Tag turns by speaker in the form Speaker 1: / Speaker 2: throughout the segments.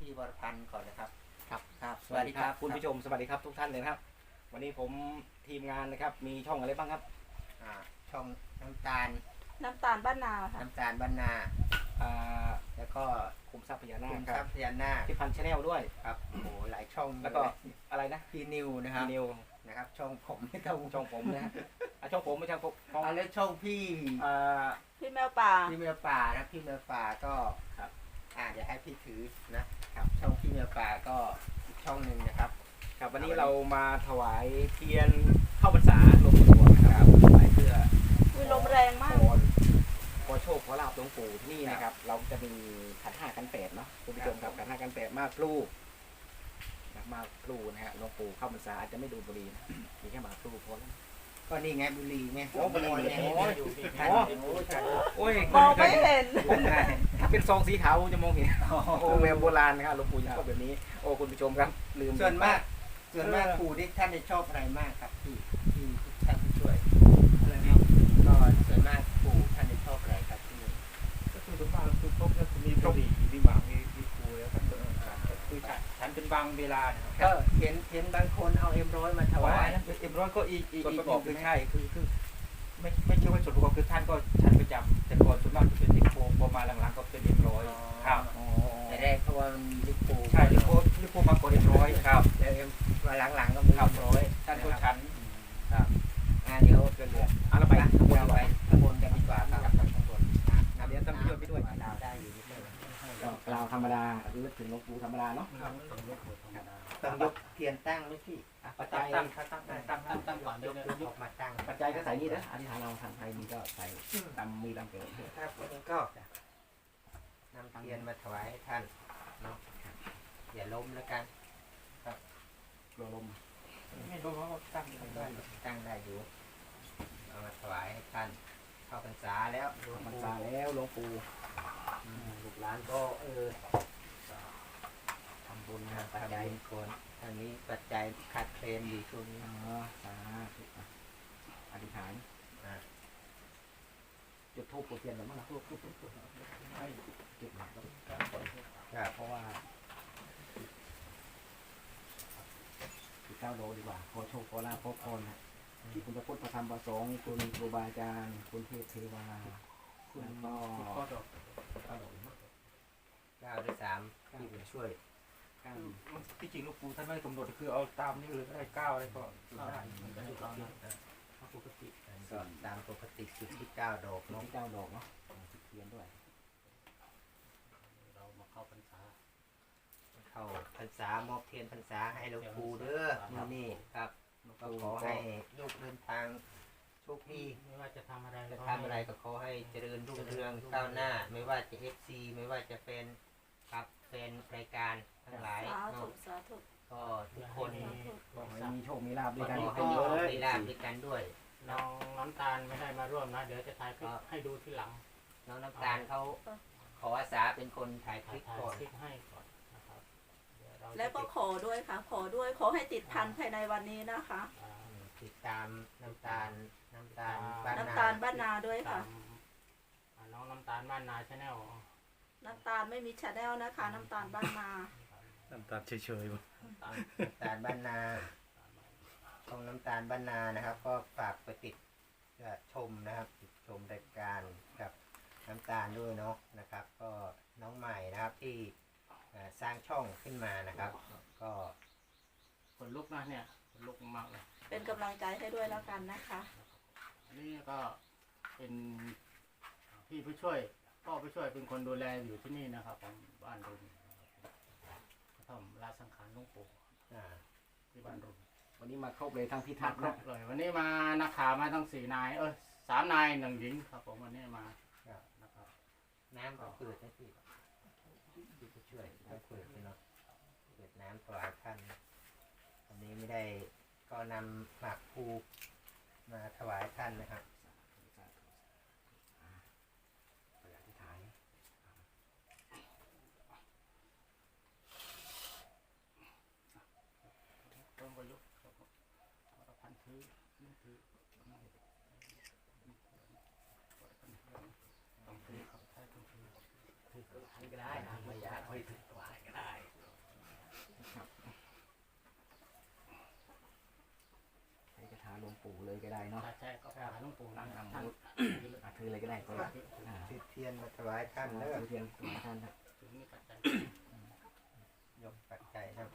Speaker 1: พี่วรพันธ์ก่อนนะครับ
Speaker 2: ครับ
Speaker 1: ครับสวัสดีครับ
Speaker 2: คุณผู้ชมสวัสดีครับทุกท่านเลยนะครับวันนี้ผมทีมงานนะครับมีช่องอะไรบ้างครับ
Speaker 1: ช่องน้ำตาล
Speaker 3: บ้านนาค่ะ
Speaker 1: น้ำตาลบ้านนา
Speaker 2: แล้วก็คุมทรัพย์พญานาค
Speaker 1: คุม
Speaker 2: ค
Speaker 1: ทรั
Speaker 2: รั
Speaker 1: พ
Speaker 2: บ
Speaker 1: ย์พญานาค
Speaker 2: ที่พันชาแนลด้วย
Speaker 1: ครับโอ้โหหลายช่อง
Speaker 2: แล้วก็อะไรนะ
Speaker 1: พี่นิวนะครับ
Speaker 2: พี่นิว
Speaker 1: นะครับช่องผมไม่ต้อง
Speaker 2: ช่องผมนะฮะช่องผมไม่ใช่ช่อง
Speaker 1: แล้วช่องพี่
Speaker 3: พี่แมวป่า
Speaker 1: พี่แมวป่านะพี่แมวป่าก็
Speaker 2: ครับ
Speaker 1: เดี๋ยวให้พี่ถือนะครับช่องพี่แมวป่าก็อีกช่องหนึ่งนะครับ
Speaker 2: ครับวันนี้เรามาถวายเทียนเข้าพรรษาหลวงปู่ทวดนะครับถวายเพื่อ
Speaker 3: ลมแรงมาก
Speaker 2: ขอโชคขอลาบหลวงปู่ที่นี่นะครับเราจะมีขันห้าขันแปดเนาะคุณผู้ชมครับขันห้าขันแปดมากพลูมากพลูนะฮะหลวงปู่เข้าพรรษาอาจจะไม่ดูบุหรี่นะมีแค่มากพลูพอแล้ว
Speaker 1: ก็นี่ไงบุรีไง
Speaker 2: บุรี
Speaker 1: ไง
Speaker 2: โอ้ย
Speaker 3: มองไม่เห็น
Speaker 2: ถ้าเป็นซองสีขาวจะมองเห็นโอ้แบบโบราณนะครับหลวงปู่จะชอบแบบนี้โอ้คุณผู้ชมครับลืม
Speaker 1: ส่วนมากปู่ที่ท่านได้ชอบอะไรมากครับที่ท่านผู้ช่วยอะไรนะก็ส่วนมากปู่ท่านได้ชอบอะไรครับที่
Speaker 4: ก็คือส่วนมากคือพบแล้วมีบุหรี่มีหมากมีครูแล้วก็คือฉันเป็นบางเวลา
Speaker 1: ก็เห็นบางคนเอาM100มาถวาย
Speaker 4: M100ก็อีกประกอบคือใช่คือไม่ใช่ว่าส่วนประกอบคือท่านก็ฉันประจำแต่ก่อนส่วนมากจะเป็นลิโพพอมาหลังๆก็เป็นM100ครับ
Speaker 1: แต่แรกเพราะว่ามีลิโพ
Speaker 4: ใช่ลิโพมากกว่าM100ครับ
Speaker 1: แล้วมาหลังๆก็มี
Speaker 4: M100ท่านก็ฉัน
Speaker 1: ครับเดี๋ยว
Speaker 2: เรือเราไป
Speaker 1: ข้างบนกันดีกว่าครับข้างบน
Speaker 2: เดี๋ยวต้องช่วยไปด้วย
Speaker 1: ดาวได้อยู่นิดนึง
Speaker 2: เราธรรมดาลึกถึงหลวงปู่ธรรมดาเนาะ
Speaker 1: ต้องยกเทียนตั้งไหมพี่
Speaker 2: ปัจจัย
Speaker 4: ตั้งก่อน
Speaker 1: ยกมาตั้ง
Speaker 2: ปัจจัยก็ใส่นี่นะอธิษฐานเราทางไทยมีก็ใส่ตามมือตามเกิด
Speaker 1: ครับวันนี้ก็นำเทียนมาถวายให้ท่านเนาะอย่าล้มแล้วกัน
Speaker 2: ครับลม
Speaker 4: ไม่รู้เขาตั้ง
Speaker 1: ได้อยู่เอามาถวายให้ท่านเข้าพรรษาแล้ว
Speaker 2: พรรษาแล้วหลวงปู่
Speaker 1: ลูกหลานก็ทำบุญนะปัจจัยคนทางนี้ปัจจัยขาดเคลนอยู่ช่วงนี้
Speaker 2: สาธุอธิษฐานจุดธูปจุดเทียนหรือมั้งนะให้จุดหนักแล้วเพราะว่า9 โลดีกว่าขอโชคขอลาภขอพรนะคุณพระพุทธพระธรรมพระสงฆ์คุณครูบาอาจารย์คุณเทพเทวา
Speaker 4: คุณ
Speaker 1: ก็9 ด้วย 3ที่ผมช่วย
Speaker 4: ที่จริงลูกปูท่านไม่กำหนดคือเอาตามนี้เลยได้9อะไรก็ได้ปกติ
Speaker 1: ก็ตามปกติจุดที่9 ดอก
Speaker 2: เนาะ9 ดอกเนาะจุดเทียนด้วย
Speaker 4: เรามาเข้าพรรษ
Speaker 1: ามอบเทียนพรรษาให้หลวงปู่เด้อนี่ครับก็ขอให้ลูกเดินทางโชคดี
Speaker 4: ไม่ว่าจะทำอะไร
Speaker 1: ก็ขอให้เจริญรุ่งเรืองก้าวหน้าไม่ว่าจะ FC ไม่ว่าจะเป็นครับเป็นรายการทั้งหลายก็ทุกคน
Speaker 2: มีโชคมีลาภด้วยกัน
Speaker 1: มีลาภด้วยกันด้วย
Speaker 4: น้องน้ำตาลไม่ได้มาร่วมนะเดี๋ยวจะถ่ายคลิปให้ดูที่หลัง
Speaker 1: น้องน้ำตาลเขาขออาสาเป็นคนถ่ายคลิปก่อน
Speaker 4: ให้ก่อนนะครับ
Speaker 3: แล้วก็ขอด้วยค่ะขอให้ติดพันภายในวันนี้นะคะ
Speaker 1: ติดตามน้ำตาล
Speaker 3: บ้านนาด้วยค่ะ
Speaker 4: น้องน้ำตาลบ้านนาชาแนล
Speaker 3: น้ำตาลไม่มีชาแนลนะคะน้ำตาลบ้านนา
Speaker 2: น้ำตาลเฉยๆ
Speaker 1: น้ำตาลบ้านนาของน้ำตาลบ้านนานะครับก็ฝากไปติดชมนะครับติดชมรายการกับน้ำตาลด้วยเนาะนะครับ ก็น้องใหม่นะครับที่สร้างช่องขึ้นมานะครับก็
Speaker 4: คนลุกนะเนี่ยคนลุกมากเลย
Speaker 3: เป็นกำลังใจให้ด้วยแล้วกันนะคะ
Speaker 4: อันนี้ก็เป็นพี่ผู้ช่วยพ่อผู้ช่วยเป็นคนดูแลอยู่ที่นี่นะครับของบ้านรุ่นทำลาสังขารหลวงปู่ที่บ้านรุ่น
Speaker 2: วันนี้มาครบเลยทั้งพิทักษ์
Speaker 4: เลยวันนี้มานักข่าวมาทั้ง4 นาย3 นาย 1 หญิงครับผมวันนี้มา
Speaker 1: นะครับน้ำก็เปิดให้พี่ผู้ช่วยน้ำเปิดเนาะเปิดน้ำถวายท่านวันนี้ไม่ได้ก็นำหมากภูมาถวายท่านนะครับ
Speaker 4: ต้องประยุกต์พันถือต้องถือเขาใช้ต้องถือ
Speaker 1: ก็ได้ไม่อยากให้ถือถวายก็ได้
Speaker 2: ปู่เลยก็ได้เนาะ
Speaker 4: ใช่ก็หาหลวงปู่
Speaker 2: นั่งนำ
Speaker 4: ท่าน
Speaker 2: มุดถือเลยก็ได้ก็อ่า
Speaker 1: จุดเทียนมาถวายท่านเด้อ
Speaker 2: ถือเทียนถวายท่านครับ
Speaker 4: ถึงมีปัจจัย
Speaker 1: ยกปัจจัยครับ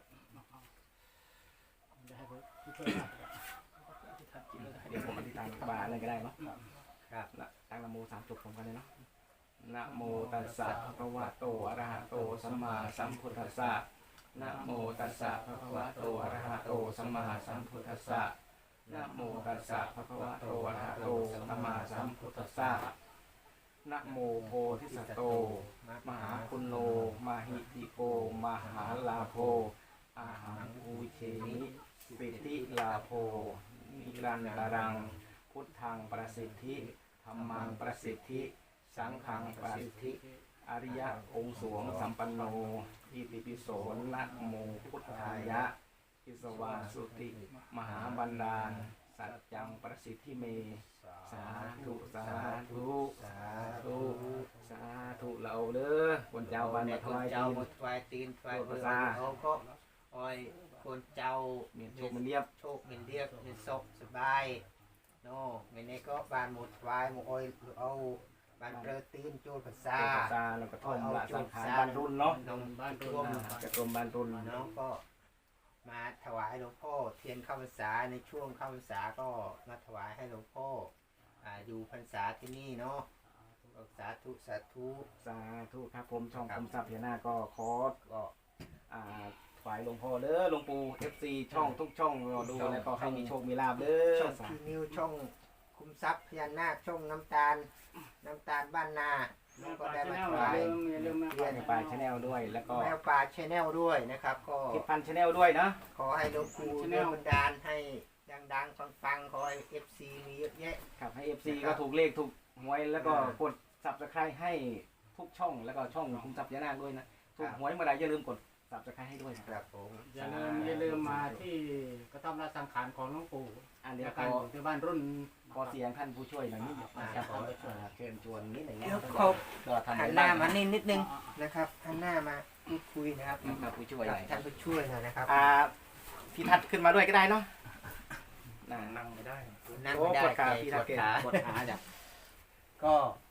Speaker 4: จะให้ผู้ช่วยว่า
Speaker 2: เดี๋ยวผมอธิษฐานบาอะไรก็ได้เนาะ
Speaker 1: ครับ
Speaker 2: ตั้งนะโมสามจบพร้อมกันเลยเนาะนะโมตัสสะภะคะวะโตอะระหะโตสัมมาสัมพุทธัสสะนะโมตัสสะภะคะวะโตอะระหะโตสัมมาสัมพุทธัสสะนะโมตัสสะภะคะวะโตอะระหะโตสัมมาสัมพุทธัสสะนะโมโพธิสัตโตมหาคุณโลมาหิติโกมหาลาโภอาหังอูเชนิปิติลาโภนิรันตรังพุทธังประสิทธิธัมมังประสิทธิสังฆังประสิทธิอริยะองค์สวงสัมปันโนอิติปิโสนะโมพุทธายะอิสวาสุติมหาบันดาลสัจจังประสิทธิเมสาธุสาธุ
Speaker 1: สา
Speaker 2: ธุ
Speaker 1: ธุ
Speaker 2: สาธุเราเด้อคนเจ้าวันมาถวาย
Speaker 1: เจ้า
Speaker 2: ที
Speaker 1: มาถวายตีนถวายเบอร์
Speaker 2: ภาษา
Speaker 1: เขาก็อ้อยคนเจ้า
Speaker 2: เมียนโชคมันเรียบ
Speaker 1: โชคเงินเรียบเงินศกสบายโน่เงินนี้ก็บานหมดถวายหมดอ้อยเอาบานเปรตีนโจรภาษา
Speaker 2: ภาษาแล้วก็ท่อมละสังขารบรรลุนเนาะ
Speaker 1: น้อง
Speaker 4: บ้าน
Speaker 1: ร
Speaker 4: ร
Speaker 1: ว
Speaker 4: ว
Speaker 1: ม
Speaker 4: ม
Speaker 2: กระทรวงบรรลุน
Speaker 1: น้องก็มาถวายหลวงพ่อเทียนเข้าพรรษาในช่วงเข้าพรรษาก็มาถวายให้หลวงพ่ออยู่พรรษาที่นี่เนาะสาธุสาธุ
Speaker 2: สาธุครับผมช่องคมทรัพย์พญานาคก็ขอ
Speaker 1: ก็
Speaker 2: ฝ่ายหลวงพ่อเด้อหลวงปู่ FC ช่องทุกช่องรอดูแล้วก็ให้มีโชคมีลาภเด้อ
Speaker 1: ช่องพีนิวช่องคุมทรัพย์พญานาคช่องน้ำตาลบ้านนาน้องก็ได้มาถวาย
Speaker 4: อย่าลืมนะ
Speaker 2: เพื่อนปลายชาแนลด้วยแล้วก็
Speaker 1: แมวป่าชแนลด้วยนะครับ ก็
Speaker 2: คิดพันชาแนลด้วยนะ
Speaker 1: ขอให้หลวงปู่เลื่อนบันดาลให้ดังๆปังๆขอให้ FC มีเยอะแยะ
Speaker 2: ครับให้ FC ก็ถูกเลขถูกหวยแล้วก็กด Subscribe ให้ทุกช่องแล้วก็ช่องคุมทรัพย์พญานาคด้วยนะถูกหวยเมื่อไหร่อย่าลืมกด Subscribe ให้ด้วยนะ
Speaker 1: ค
Speaker 2: ค
Speaker 1: รั
Speaker 2: รับบ
Speaker 1: ผม
Speaker 4: อย่าลืมมาที่กระท่อมราชสังขารของหลวงปู่
Speaker 2: อันเดียว
Speaker 4: การ
Speaker 2: ขอ
Speaker 4: อยู่ที่บ้านรุ่น
Speaker 2: ขอเสียงท่านผู้ช่วยหน่อยนิดหนึ่งนะครับขอเชิญชวนนิดหนึ่งนะ
Speaker 1: เดี๋ยว
Speaker 2: ครับ
Speaker 1: เขา
Speaker 2: ก็ทำ
Speaker 1: หันหน้ามานี่นิดนึงนะครับหันหน้ามาพูดคุยนะครับ
Speaker 2: ครับผู้ช่วย
Speaker 1: ท่านผู้ช่วยหน่อยนะครับ
Speaker 2: พี่ทัดขึ้นมาด้วยก็ได้เนาะนั่งไม่ได้
Speaker 1: นั่ง
Speaker 2: โอ้
Speaker 1: ไม่ได้
Speaker 2: ปวดขา
Speaker 1: ใจ
Speaker 2: พี่
Speaker 1: ป
Speaker 2: ทั
Speaker 1: ว
Speaker 2: ด
Speaker 1: ด
Speaker 2: เก
Speaker 1: ขา
Speaker 2: ปวดขาจ้ะ
Speaker 1: ก็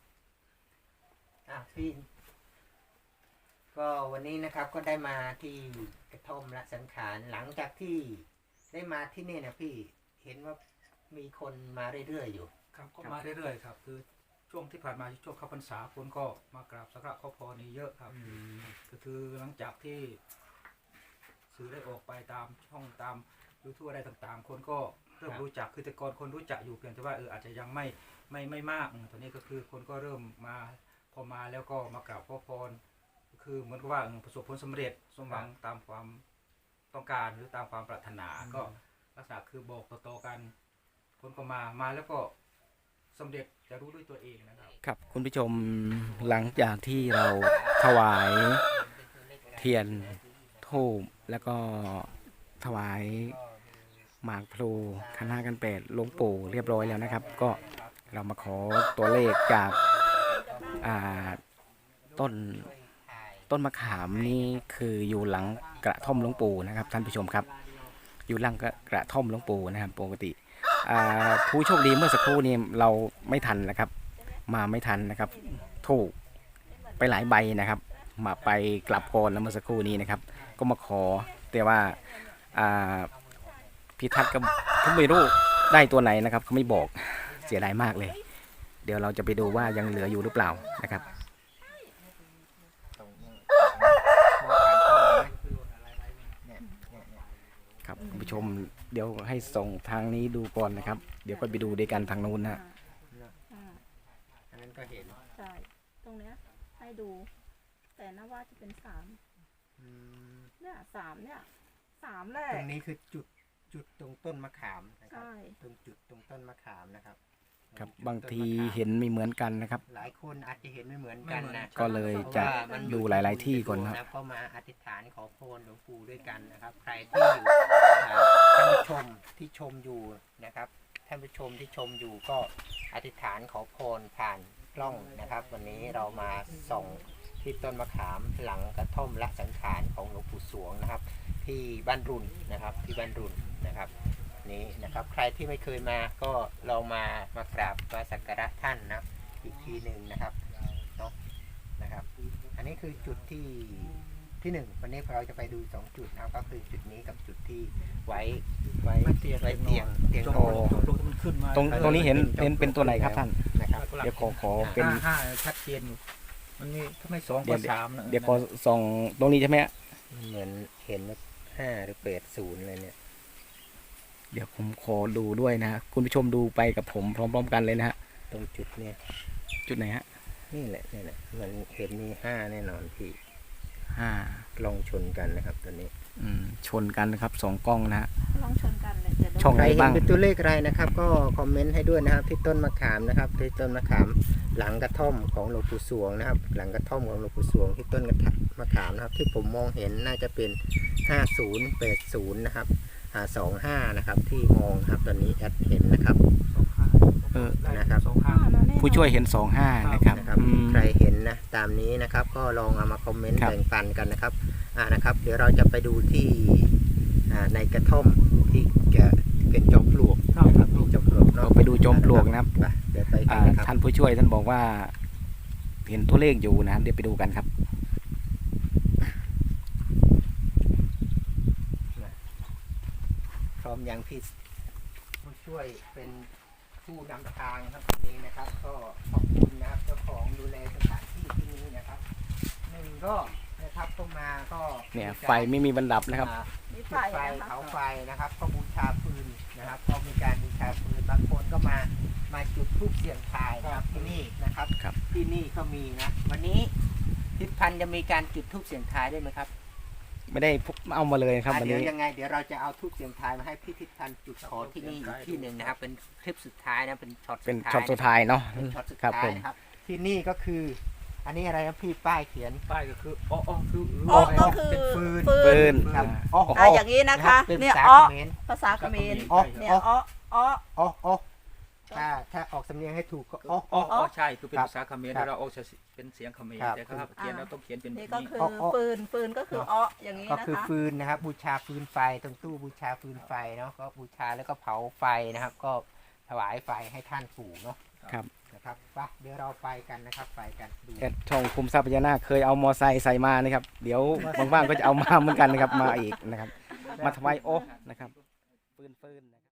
Speaker 1: พี่ก็วันนี้นะครับก็ได้มาที่กระท่อมละสังขารหลังจากที่ได้มาที่นี่นะพี่เห็นว่ามีคนมาเรื่อยๆอยู่
Speaker 5: ครับก็มาเรื่อยๆครับคือช่วงที่ผ่านมาช่วงเข้าพรรษาคนก็มากราบสักการะขอพรนี่เยอะครับก็คือหลังจากที่สื่อได้ออกไปตามช่องตามยูทูบอะไรต่างๆ คนก็เริ่มรู้จักคือแต่ก่อนคนรู้จักอยู่เพียงแต่ว่าอาจจะยังไม่มากตอนนี้ก็คือคนก็เริ่มมาพอมาแล้วก็มากราบขอพรก็คือเหมือนกับว่าประสบผลสำเร็จสมหวังตามความต้องการหรือตามความปรารถนาก็ลักษณะคือบอกต่อๆกัน คนก็มาแล้วก็สำเร็จจะรู้ด้วยตัวเองนะครับ
Speaker 2: ครับคุณผู้ชมหลังจากที่เราถวายเทียนทูบแล้วก็ถวายหมากพลูขันห้ากันแปดหลวงปู่เรียบร้อยแล้วนะครับ ก็เรามาขอตัวเลขจากต้นมะขามนี่คืออยู่หลังกระท่อมหลวงปู่นะครับท่านผู้ชมครับ อยู่หลังกระท่อมหลวงปู่นะครับปกติผู้โชคดีเมื่อสักครู่นี้เราไม่ทันนะครับมาไม่ทันนะครับถูกไปหลายใบนะครับมาไปกลับก่อนแล้วเมื่อสักครู่นี้นะครับก็มาขอแต่ว่าพิทักษ์ก็ไม่รู้ได้ตัวไหนนะครับเขาไม่บอกเสียดายมากเลยเดี๋ยวเราจะไปดูว่ายังเหลืออยู่หรือเปล่านะครับครับคุณผู้ชมเดี๋ยวให้ส่งทางนี้ดูก่อนนะครับเดี๋ยวก็ไปดูด้วยกันทางนู้นนะ
Speaker 1: อันนั้นก็เห็น
Speaker 3: ใช่ตรงเนี้ยให้ดู แต่น่าว่าจะเป็นเนี่ยสามแหละ
Speaker 1: ตรงนี้คือจุดตรงต้นมะขามนะครับ
Speaker 3: ใช่
Speaker 1: ตรงจุดตรงต้นมะขามนะครับ
Speaker 2: ครับ
Speaker 1: จุด
Speaker 2: บางที
Speaker 1: ต้นมะขาม
Speaker 2: เห็นไม่เหมือนกันนะครับ
Speaker 1: หลายคนอาจจะเห็นไม่เหมือนกันนะ
Speaker 2: ก็เลยจะ
Speaker 1: พราว่ามัน
Speaker 2: ดูหลายๆที่ก่อนนะ
Speaker 1: ก็มาอธิษฐานขอพรหลวงปู่ด้วยกันนะครับ ใครที่อยู่ท่านผู้ชมที่ชมอยู่นะครับท่านผู้ชมที่ชมอยู่ก็อธิษฐานขอพรผ่านกล้องนะครับ วันนี้เรามาส่องที่ต้นมะขามหลังกระท่อมละสังขารของหลวงปู่สวงนะครับ ที่บ้านรุนนะครับที่บ้านรุนนะครับนี้นะครับ ใครที่ไม่เคยมาก็ลองมากราบไหว้สักการะท่านนะอีกทีหนึ่งนะครับเนาะนะครับ อันนี้คือจุดที่หนึ่งวันนี้เราจะไปดู2จุดนะครับก็คือจุดนี้กับจุดที่ไว้เตียง
Speaker 5: จง
Speaker 1: โต
Speaker 5: จงมันขึ้นมา
Speaker 2: ตรงนี้เห็นเป็นตัวไหนครับท่าน
Speaker 1: นะครับ
Speaker 2: เดี๋ยวขอเป็น
Speaker 5: ห้าชัดเจนอยู่มันมีถ้าไม่2ก็3นะ
Speaker 2: เดี๋ยวขอส่องตรงนี้ใช่ไหมฮะ
Speaker 1: เหมือนเห็นว่า5 หรือ 80เลยเนี่ย
Speaker 2: เดี๋ยวผมขอดูด้วยนะฮะคุณผู้ชมดูไปกับผมพร้อมๆกันเลยนะฮะ
Speaker 1: ตรงจุดเนี่ย
Speaker 2: จุดไหนฮะ
Speaker 1: นี่แหละเหมือนเห็นมี5แน่นอนพี่
Speaker 2: 5
Speaker 1: ลองชนกันนะครับตัวนี้
Speaker 2: ชนกันนะครับ2กล้องนะฮะ
Speaker 3: ลองชนกันเลยจะดู
Speaker 2: ช่อง
Speaker 1: ใคร
Speaker 2: ไหน
Speaker 1: เห็
Speaker 2: บ้าน ง
Speaker 1: เป็นตัวเลขอะไรนะครับ ก็คอมเมนต์ให้ด้วยนะครับที่ต้นมะขามนะครับที่ต้นมะขามหลังกระท่อมของหลวงปู่สวงนะครับ หลังกระท่อมของหลวงปู่สวงที่ต้นมะขามนะครับ ที่ผมมองเห็นน่าจะเป็น5080นะครับ25นะครับที่มองนะครับตอนนี้แอดเห็นนะครับ นะครับ
Speaker 2: ผู้ช่วยเห็น25นะครับ
Speaker 1: นะครับ ใครเห็นนะตามนี้นะครับ ก็ลองเอามาคอมเมนต์
Speaker 2: ครับ
Speaker 1: แบ่งปันกันนะครับนะครับ เดี๋ยวเราจะไปดูที่ในกระท่อมที่จะเป็นจอมปลวกนะครับที่จอมปลวก
Speaker 2: เราไปดูจอมปลวกนะครับ
Speaker 1: ไปเดี๋ยวไปกันนะครับ
Speaker 2: ท่านผู้ช่วยท่านบอกว่า เห็นตัวเลขอยู่นะเดี๋ยวไปดูกันครับ
Speaker 1: พร้อมยังพี่ผู้ช่วยเป็นผู้นำทางครับวันนี้นะครับ ก็ขอบคุณนะครับเจ้าของดูแลสถานที่ที่นี้นะครับหนึ่งก็นะครับต้องมาก็
Speaker 2: เนี่ยไฟไม่มีบรรดับนะครับ
Speaker 3: มี
Speaker 1: จุ
Speaker 3: ไฟ
Speaker 1: ดไฟ
Speaker 3: นะคะ
Speaker 1: เผาไฟนะครับก็บูชาฟืนนะครับก็มีการบูชาฟืนบางคนก็มาจุดธูปเสียงทายนะครับที่นี่นะครับ
Speaker 2: ครับ
Speaker 1: ที่นี่ก็มีนะวันนี้ทิศพันธ์จะมีการจุดธูปเสียงทายด้วยไหมครับ
Speaker 2: ไม่ได้เอามาเลยครับวัน
Speaker 1: เดี๋ยว
Speaker 2: นี้
Speaker 1: ยังไงเดี๋ยวเราจะเอาธูปเสียงทายมาให้พี่ทิศพันธ์จุดขอที่นี่อีกที่หนึ่งนะครับ เป็นคลิปสุดท้ายนะเป็นช็อต
Speaker 2: เป็นช็อตสุดท้ายเนาะ
Speaker 1: เป็นช็อตสุด
Speaker 2: ครับ
Speaker 1: ท้า
Speaker 2: ผ
Speaker 1: ย
Speaker 2: ม
Speaker 1: นะครับที่นี่ก็คือ อันนี้อะไรนะพี่ป้ายเขียน
Speaker 5: ป้ายก็คืออ๋อคือ
Speaker 3: อ้อก็คือ
Speaker 1: เป็นฟืน
Speaker 2: ปืน
Speaker 1: ครับ
Speaker 3: อย่างนี้นะคะ
Speaker 1: เป็น
Speaker 3: เนี่ย
Speaker 1: ภาษา
Speaker 3: อ้อ
Speaker 1: เขมร
Speaker 3: ภาษาเขมร
Speaker 1: อ๋อ
Speaker 3: เนี่ยอ้ออ้อ
Speaker 1: อ๋อถ้าออกสำเนียงให้ถูกก็อ๋อ
Speaker 5: อ๋อใช่คือเป็น
Speaker 1: ครับ
Speaker 5: ภาษาเขมร
Speaker 1: ครับ
Speaker 5: เราออกเป็นเสียงเขมร
Speaker 1: ครับ
Speaker 5: แต่ครับเขียนเราต้องเขียนเป็น
Speaker 3: นี่ก็
Speaker 5: นี้
Speaker 3: คือ
Speaker 1: อ้อ
Speaker 3: ฟืนก็คืออ้ออย่างนี้
Speaker 1: ก็
Speaker 3: นะ
Speaker 1: คือ
Speaker 3: คะ
Speaker 1: ฟืนนะครับ บูชาฟืนไฟตรงตู้บูชาฟืนไฟเนาะก็บูชาแล้วก็เผาไฟนะครับ ก็ถวายไฟให้ท่านปู่เนาะ
Speaker 2: ครับ
Speaker 1: นะครับไปเดี๋ยวเราไปกันนะครับไปกันดู
Speaker 2: แอดช่องคุมทรัพย์พญานาคเคยเอามอไซค์ใส่มานะครับ เดี๋ยวว่างๆก็จะเอามาเหมือนกันนะครับมาอีกนะครับ มาทำไมโอ้นะครับฟืนนะครับ